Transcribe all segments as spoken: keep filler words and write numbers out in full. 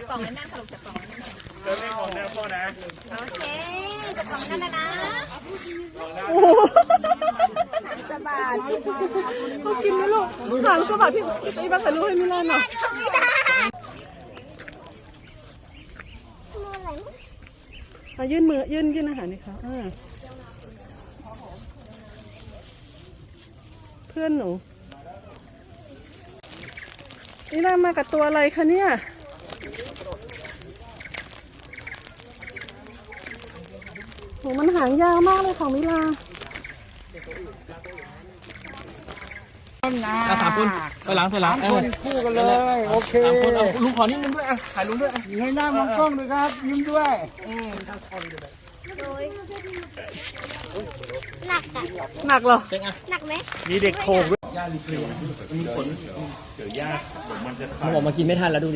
กล่องแน่นๆค่ะลูกจับกล่องแน่นๆเดินเล่นของแนวพ่อนะโอเคจับกล่องแน่นๆนะสบายเขากินไหมลูกหางสะบัดพี่ไอ้บ้าใส่ลูกให้มิลานหน่อยมายื่นมือยื่นยื่นอาหารนี่ค่ะเพื่อนหนูนี่น่ามากับตัวอะไรคะเนี่ยโหมันหางยาวมากเลยของมิลาอ่ะสามคนไปหลังไปหลังสามคนคู่กันเลยโอเคสามคนเอาลุงขอนิดนึงด้วยอ่ะถ่ายลุงด้วยเงยหน้ามองกล้องด้วยครับยิ้มด้วยหนักอ่ะหนักเหรอหนักไหมมีเด็กโขกด้วยย่าลิเกมีขนเดี๋ยวย่ามันจะขาดมันบอกมากินไม่ทันแล้วดูดิ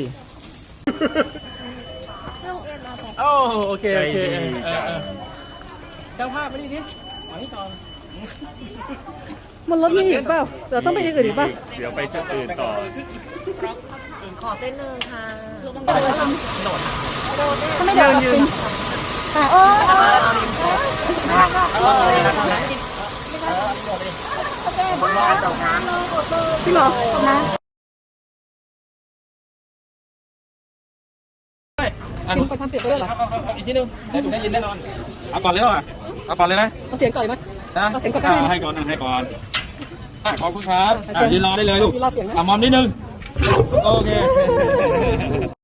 ลงเอ็มเอาไปโอ้โอเคโอเคเจ้าภาพมาดิดิขอนี่ก่อนมันรถมีอีกเปล่าเดี๋ยวต้องไปอย่างอื่นอีกเปล่าเดี๋ยวไปจุดอื่นต่อขอเส้นหนึ่งค่ะถ้าไม่เดินยืนพี่หรอนะอ่ะไปทำเสียงก็ได้เหรออีกทีนึงได้ถูกได้ยินแน่นอนเอาก่อนเลยเหรอเอาก่อนเลยนะเอาเสียงก่อนไหมนะเอาเสียงก่อนได้ไหมให้ก่อนให้ก่อนขอบคุณครับยืนรอได้เลยลูกยืนรอเสียงนะอ่ะมอมนิดนึงโอเค